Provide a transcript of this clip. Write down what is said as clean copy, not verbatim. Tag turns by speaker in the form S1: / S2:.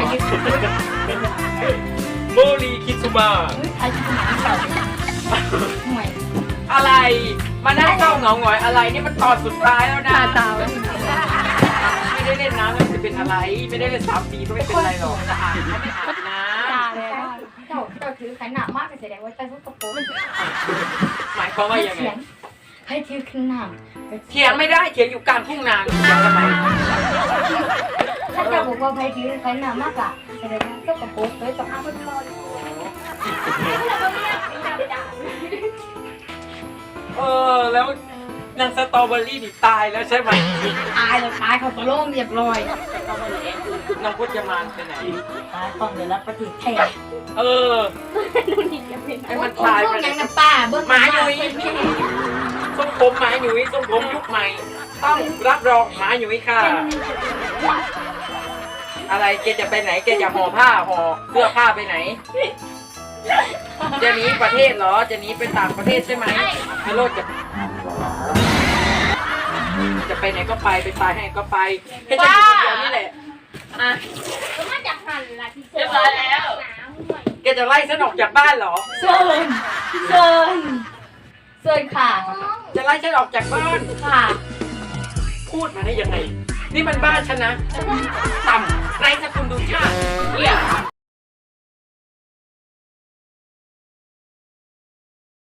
S1: ยึด
S2: โมรีคิซุมะ
S1: ไทยยึดหนังเก่าห่วย
S2: อะไรมานั่งเศร้าเหงาหงอยอะไรนี่มันตอนสุดท้ายแล้วนะ
S1: ตาตา
S2: ไม่ได้เล่นน้ำแล้วจะเป็นอะไรไม่ได้เล่น3 ปีก็ไม่เป็นไรหรอกจะอาบน้ำไม่อาบน้
S1: ตาเลยเจ้าถือขนาดมากแสดงว่าเจ้าทุกกระโปรง
S2: ำหมายความว่ายังไง
S1: ให้ถือขนาด
S2: เถียงไม่ได้เถียงอยู่กลางทุ่งนาเถียงทำไม
S1: ถ้าเจ้าบอกว่าให้ถือขนาดมากอะแสดงว่าเจ้ากระโปรงเลยต้องเอาไปรอ
S2: แล้วนางสตรอเบอรี่ดิตายแล้วใช่ไหม
S1: ตายเลยตายเขาตะล่มเรียบร้อย
S2: น้องพจมานไปไหน
S1: ตายต้องเดี๋ยวรับประทิแทน
S2: ให้มันตายไป
S1: ยังน้ำป้าเบิ้ง
S2: หมาหนุ่ยทรงผมหมาหนุ่ยทรงผมยุคใหม่ ต้องรับรองหมาหนุ่ยค่ะ อะไรแกจะไปไหนแกจะห่อผ้าห่อเสื้อผ้าไปไหน จะหนีประเทศเหรอจะหนีไปต่างประเทศใช่ไหมฮัลโหลจะไปไหนก็ไปตายให้ก็ไปแค่ฉันอยู่คนเดียวนี่แหละอ่ะ
S3: ก็มาจากหันละที่
S2: เรียบร้อยแล้ว แกจะไล่ฉันออกจากบ้านเหรอ
S1: เชิญค่ะ
S2: จะไล่ฉันออกจากบ้าน
S1: ค่ะ
S2: พูดมาได้ยังไง นี่มันบ้านฉันนะ ต่ำไร้สกุลดูชาติเนี่ย